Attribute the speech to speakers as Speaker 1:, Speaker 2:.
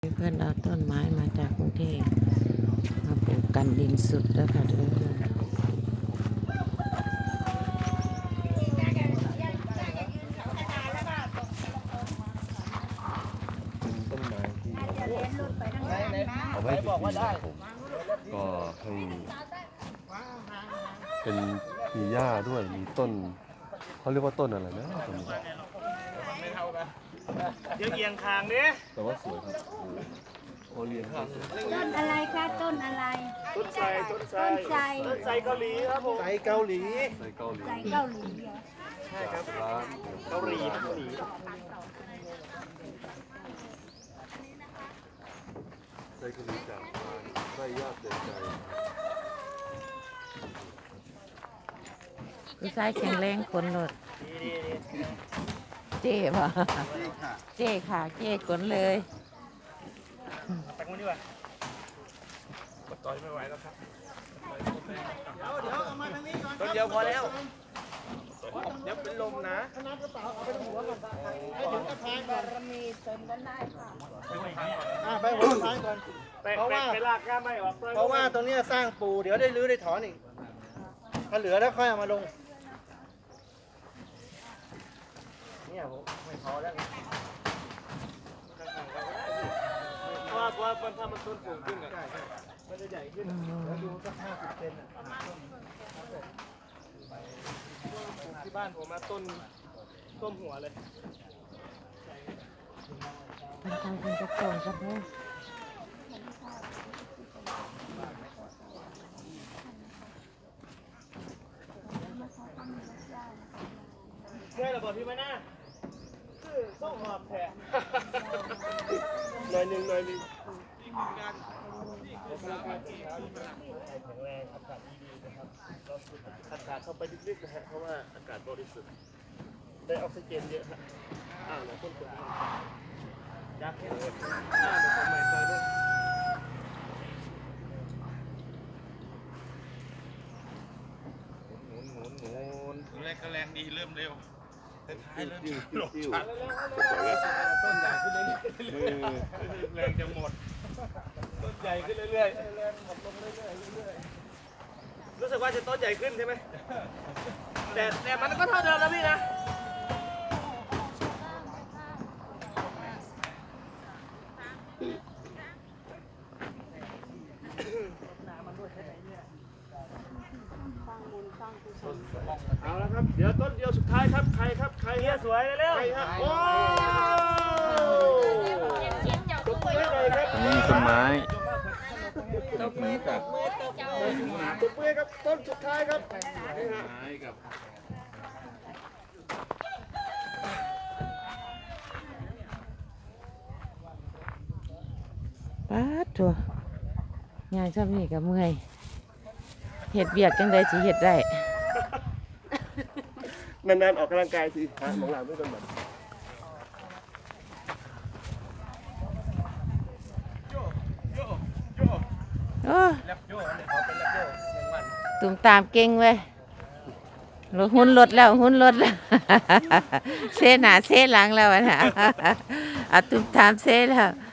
Speaker 1: เพื่อนเอาต้นไม้มาจากกรุงเทพมาปลูกกันดินสุดแล้วค่ะเพื่อน
Speaker 2: ต้นไม้ที่เอาไว้เป็นที่นาผมก็ให้เป็นมีหญ้าด้วยมีต้นเขาเรียกว่าต้นอะไรนะตรงนี้
Speaker 3: เดี๋ยวเอียงคางดิ
Speaker 2: แต่ว่าสวยครับโอเลียนครับ
Speaker 4: ต้นอะไรคะต้นอะไร
Speaker 3: ต้นไทรต้นไทร
Speaker 4: ต้นไทร
Speaker 3: ต้นไทรเกาหลีครับผมไทรเกาหลี
Speaker 2: ใส่เกาหลี
Speaker 4: ไทรเกาหลีเหรอ
Speaker 3: ใช่ครับ
Speaker 2: ร้าน
Speaker 3: เกาหลีเกาหลี
Speaker 2: ใส่เกาหลีจากร้านไส้ญาติเดินใจ
Speaker 1: ผู้ชายแข็งแรงคนหลดเจ๊ป่ะเจ๊ค่ะเจ๊ขนเลย
Speaker 3: ตักมันดีกว่าต่อยไม่ไหวแล้วครับเดี๋ยวเอามาทางนี้ก่อนต้นเดียวพอแล้วเดี๋ยวเป็นลมนะน้ำกระเป๋าเอาไปหัวก่อนให้ถึงกระพายก่อน
Speaker 4: มีเติมกันได้ค่ะ
Speaker 3: ไปหัวกระพายก่อนเพราะว่าไปลากก้าไม่ออกเพราะว่าตรงนี้สร้างปูเดี๋ยวได้รื้อได้ถอนอีกถ้าเหลือแล้วค่อยเอามาลงเนี่ยผมไม่พอแล้วเพราะว่าถ้ามันต้นสูงขึ้นอ่ะมันจะใหญ่ขึ้นแล้วดูสัก50 เซนอ่ะที่บ้านผมมาต้นหัวเลย
Speaker 1: มันทำเป็นกระโปรงครับเพื่อน
Speaker 3: เมื่อยระเบิดพี่มาหน้าคือต้องหอบแผลหน่อยหนึ่งแข็งแรงอากาศดีๆนะครับเราสูดอากาศเข้าไปลึกๆนะฮะเพราะว่าอากาศบริสุทธิ์ได้ออกซิเจนเยอะฮะเดี๋ยวคนยากแค่ไหนเดี๋ยวผมใหม่ต่อด้วยหมุนแรกก็แรงดีเริ่มเร็วท้ายเริ่มหลบชัดต้นใหญ่ขึ้นเรื่อยๆแรงจะหมดต้นใหญ่ขึ้นเรื่อยๆแรงหมดลงเรื่อยๆรู้สึกว่าจะต้นใหญ่ขึ้นใช่ไหมแต่มันก็เท่าเดิมนะพี่นะเอาละครับเดี๋ยวต้นเดียวสุดท้ายครับใครครับใครเนี่ยสวยเร็วๆโอ้ตบมือให้หน่อยครับ
Speaker 2: นี่ต้นไม้
Speaker 3: ตบมือครับต้นสุดท้ายครับนี่ฮะ
Speaker 1: ป๊าดตัวงานชอบนี่กับเมื่อยเห็ดเบียกจังไดสิเห็ดได้
Speaker 3: นานๆออกกำลังกายสิฮะมองหลังด้วยกันแบบ
Speaker 1: โอ้
Speaker 3: แรปโย่เนี่ยเขาเป็นแรปโย่1 วัน
Speaker 1: ตุ่มตามเก่งเว้ยรถหุ้นรถแล้วหุ้นรถแล้ว เซหนาเซหลังแล้วอะนะ ตุ่มตามเซแล้ว